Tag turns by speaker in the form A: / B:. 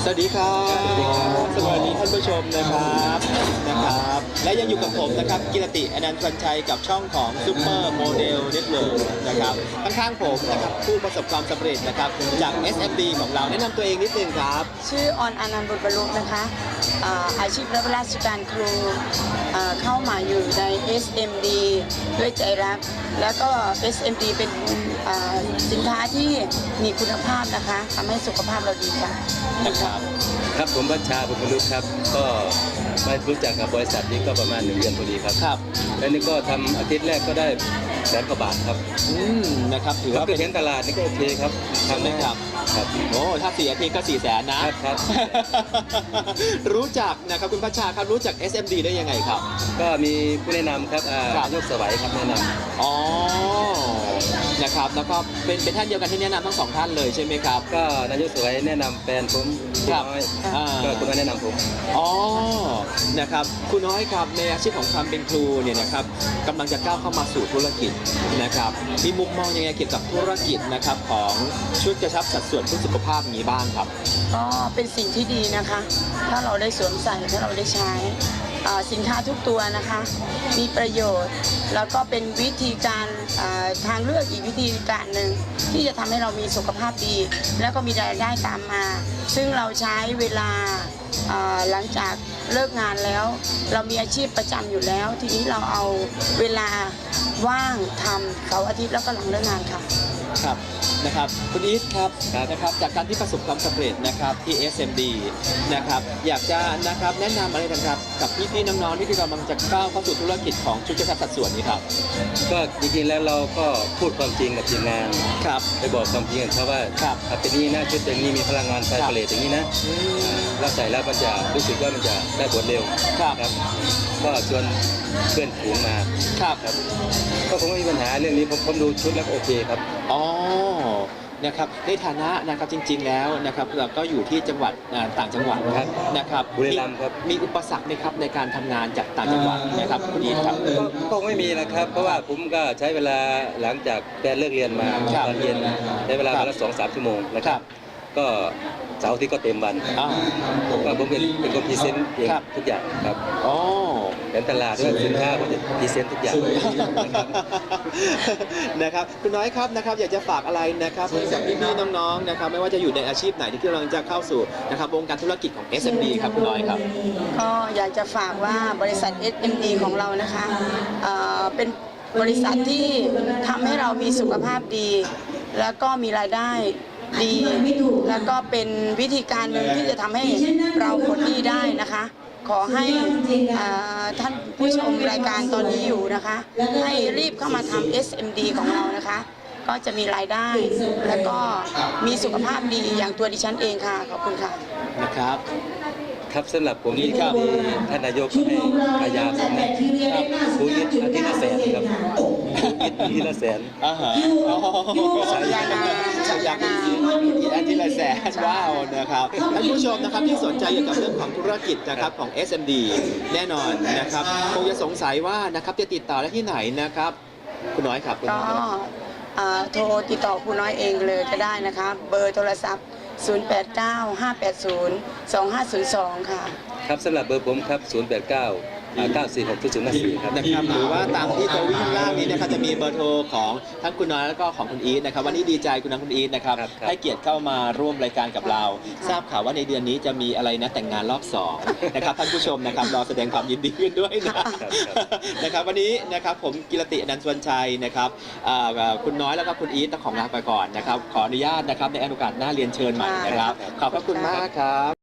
A: สวัสดีครับสวัสดีท่านผู้ชมนะครับและยังอยู่กับผมนะครับกิรติอนันต์วันชัยกับช่องของซูเปอร์โมเดลเน็ตเวิร์กนะครับข้างๆผมนะครับผู้ประสบความสำเร็จนะครับจาก SMD ของเราแนะนำตัวเองนิดนึงครับ
B: ชื่อออนอนันต์บุญบรรลุนะคะอาชีพรับราชการครูเข้ามาอยู่ใน SMD ด้วยใจรักแล้วก็ SMD เป็นสินค้าที่มีคุณภาพนะคะทำให้สุขภาพเราดีค่ะ
C: ครับผมบัญชาบุญบรรลุครับก็มารู้จักกับบริษัทนี้ก็ประมาณ1 เดือนพอดีครับแล้วนี่ก็ทำอาทิตย์แรกก็ได้100,000 กว่าบาทครับ
A: นะครับถือว่า
C: เป็นตลาดนี่ก็โอเคครับ
A: ทำได้ครับโอ้ถ้า4 อาทิตย์ก็400,000นะครับรู้จักนะครับคุณพัชชาครับรู้จัก SMD ได้ยังไงครับ
C: ก็มีผู้แนะนำครับนายกสวัยครับแนะนำ
A: อ๋อนะครับแล้วก็เป็นท่านเดียวกันที่แนะนำทั้ง2 ท่านเลยใช่ไหมครับ
C: ก็นายกสวัยแนะนำแฟนผมน้อยก็คุณน้อยแนะนำผม
A: อ๋อนะครับคุณน้อยครับในอาชีพของความเป็นครูเนี่ยนะครับกำลังจะก้าวเข้ามาสู่ธุรกิจนะครับมีมุมมองยังไงเกี่ยวกับธุรกิจนะครับของชุดกระชับสัดส่วนเพื่อสุขภาพอย่างนี้บ้างครับ
B: ก็เป็นสิ่งที่ดีนะคะถ้าเราได้สวมใส่ถ้าเราได้ใช้สินค้าทุกตัวนะคะมีประโยชน์แล้วก็เป็นวิธีการทางเลือกอีกวิธีการหนึ่งที่จะทำให้เรามีสุขภาพดีแล้วก็มีรายได้ตามมาซึ่งเราใช้เวลาหลังจากเลิกงานแล้วเรามีอาชีพประจำอยู่แล้วทีนี้เราเอาเวลาว่างทำเสาร์อาทิตย์แล้วก็หลังเลิกงานค่ะ
A: ครับนะครับคุณอีทครับนะครับจากการที่ประสบความสำเร็จนะครับที่ SMD นะครับอยากจะนะครับแนะนำอะไรกันกับพี่ๆน้องๆที่กำลังจะก้าวเข้าสู่ธุรกิจของชุดกระชับสัดส่วนนี้ครับ
C: ก็จริงๆแล้วเราก็พูดความจริงกับทีมงาน
A: ครับ
C: ไปบอกความจริงกับเขาว่าเป็นนี้นะชุดอย่างนี้มีพลังงานไฟผลิตอย่างนี้นะเราใส่แล้วมันจะรู้สึกว่ามันจะได้ผลเร็ว
A: ครับ
C: ก็ชวนเพื่อนฝูงมา
A: ครับ
C: ก็คงไม่มีปัญหาเรื่องนี้ผมดูชุดแล้วโอเคครับ
A: อ๋อนะครับในฐานะนะครับจริงๆแล้วนะครับเราก็อยู่ที่จังหวัดต่างจังหวัดนะครับ
C: บุรีรัมย์ครับ
A: มีอุปสรรคไหมครับในการทำงานจากต่างจังหวัดนะครับคุณอีทครับ
C: คงไม่มีนะครับเพราะว่าผมก็ใช้เวลาหลังจากแฟนเลิกเรียนมาตอนเย็นใช้เวลาวันละ2-3 ชั่วโมงนะครับก็เสาร์ที่ก็เต็มวันก็ผมเป็นคนพรีเซนต์เองทุกอย่างครับเป็นตลาดด้วยสินค้าผมจะพรีเซนต์ทุกอย่าง
A: นะครับคุณน้อยครับนะครับอยากจะฝากอะไรนะครับกับพี่ๆน้องๆนะครับไม่ว่าจะอยู่ในอาชีพไหนที่กำลังจะเข้าสู่นะครับวงการธุรกิจของ SMD ครับคุณน้อยครับ
B: ก็อยากจะฝากว่าบริษัท SMD ของเรานะคะเป็นบริษัทที่ทำให้เรามีสุขภาพดีแล้วก็มีรายได้ดีแล้วก็เป็นวิธีการหนึ่งที่จะทำให้เราปลดหนี้ได้นะคะขอให้ท่านผู้ชมรายการตอนนี้อยู่นะคะให้รีบเข้ามาทำ SMD ของเรานะคะก็จะมีรายได้แล้วก็มีสุขภาพดีอย่างตัวดิฉันเองค่ะขอบคุณค่ะ
A: นะครับ
C: ครับสำหรับผมนี่ครับท่านนายกให้พยายามผู้ยึดอาทิตย์ละ100,000ครับอาทิตย์ละ100,000
A: ฉายาคุณอาทิตย์ละ100,000ว้าวนะครับท่านผู้ชมนะครับที่สนใจเกี่ยวกับเรื่องของธุรกิจนะครับของ SMD แน่นอนนะครับคงจะสงสัยว่านะครับจะติดต่อได้ที่ไหนนะครับคุณน้อยครับ
B: ก็โทรติดต่อคุณน้อยเองเลยก็ได้นะคะเบอร์โทรศัพท์089-580-2502 ค่ะ
C: ครับสำหรับเบอร์ผมครับ089-946-0054ครับ
A: นะครับหรือว่าตามที่ตัววิ่งล่างนี้นะครับจะมีเบอร์โทรของทั้งคุณน้อยแล้วก็ของคุณอีทนะครับวันนี้ดีใจคุณน้องคุณอีทนะครับให้เกียรติเข้ามาร่วมรายการกับเราทราบข่าวว่าในเดือนนี้จะมีอะไรนะแต่งงานรอบ2นะครับท่านผู้ชมนะครับรอแสดงความยินดีกันด้วยนะครับวันนี้นะครับผมกิรติอนันต์สวนชัยนะครับคุณน้อยแล้วก็คุณอีทต้องของลาไปก่อนนะครับขออนุญาตนะครับในโอกาสหน้าเรียนเชิญใหม่นะครับขอบพระคุณมากครับ